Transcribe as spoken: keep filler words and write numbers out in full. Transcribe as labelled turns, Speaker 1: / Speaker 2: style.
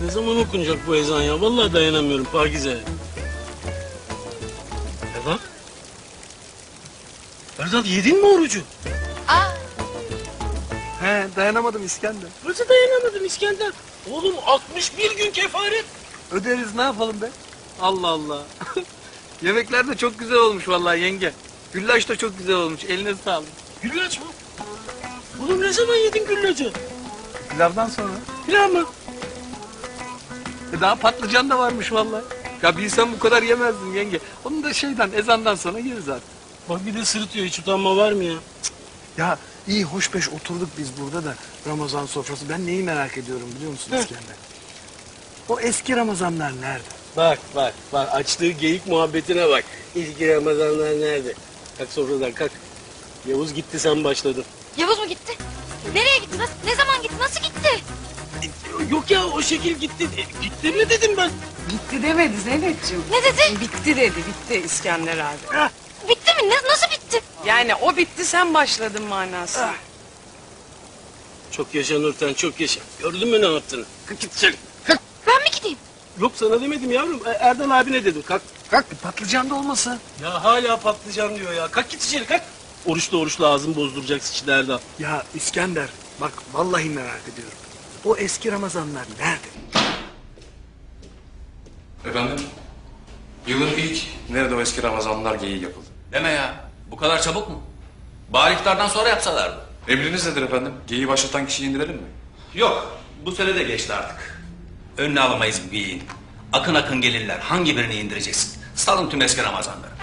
Speaker 1: Ne zaman okunacak bu ezan ya? Vallahi dayanamıyorum Pakize. Erdal? Erdal yedin mi orucu?
Speaker 2: Aa,
Speaker 3: He, dayanamadım İskender.
Speaker 1: Nasıl dayanamadın İskender? Oğlum altmış bir gün kefaret.
Speaker 3: Öderiz, ne yapalım be? Allah Allah. Yemekler de çok güzel olmuş vallahi yenge. Güllaç da çok güzel olmuş. Eline sağlık.
Speaker 1: Güllaç mı? Oğlum ne zaman yedin güllacı?
Speaker 3: Pilavdan sonra.
Speaker 1: Pilav mı?
Speaker 3: E daha patlıcan da varmış vallahi. Ya bilsem bu kadar yemezdim yenge. Onu da şeyden, ezandan sonra yeriz artık.
Speaker 1: Bak bir de sırıtıyor, hiç utanma var mı ya?
Speaker 3: Ya iyi hoş beş oturduk biz burada da Ramazan sofrası. Ben neyi merak ediyorum biliyor musun
Speaker 1: Heh.
Speaker 3: İskender? O eski Ramazanlar nerede?
Speaker 1: Bak bak bak açtığı geyik muhabbetine bak. İlk Ramazanlar nerede? Kalk sofradan kalk. Yavuz gitti sen başladın.
Speaker 2: Yavuz mu gitti? Nereye gitti? Nasıl, ne zaman gitti? Nasıl gitti?
Speaker 1: Yok ya o şekil gitti. E, gitti mi dedim ben.
Speaker 4: Bitti demedi Zeynep'ciğim.
Speaker 2: Ne dedi?
Speaker 4: Bitti dedi, bitti İskender abi.
Speaker 1: Ah,
Speaker 2: Bitti mi? Ne, nasıl bitti?
Speaker 4: Yani o bitti, sen başladın manası.
Speaker 1: ah. Çok yaşa Nurten çok yaşa. Gördün mü ne yaptığını? Kalk git içeri. Kalk.
Speaker 2: Ben mi gideyim?
Speaker 1: Yok sana demedim yavrum. E, Erdal abine dedim. Kalk.
Speaker 3: Kalk patlıcan da olmasın.
Speaker 1: Ya hala patlıcan diyor ya. Kalk git içeri kalk. Oruçlu oruçlu ağzını bozduracaksın şimdi Erdal.
Speaker 3: Ya İskender bak vallahi merak ediyorum. O eski Ramazanlar nerede?
Speaker 5: Efendim? Yılın ilk nerede o eski Ramazanlar geyiği yapıldı.
Speaker 6: Deme ya. Bu kadar çabuk mu? Bari iftardan sonra yapsalardı.
Speaker 5: Emriniz nedir efendim? Geyiği başlatan kişiyi indirelim mi?
Speaker 6: Yok. Bu sene de geçti artık. Önüne alamayız bu geyiğin. Akın akın gelirler. Hangi birini indireceksin? Salın tüm eski Ramazanları.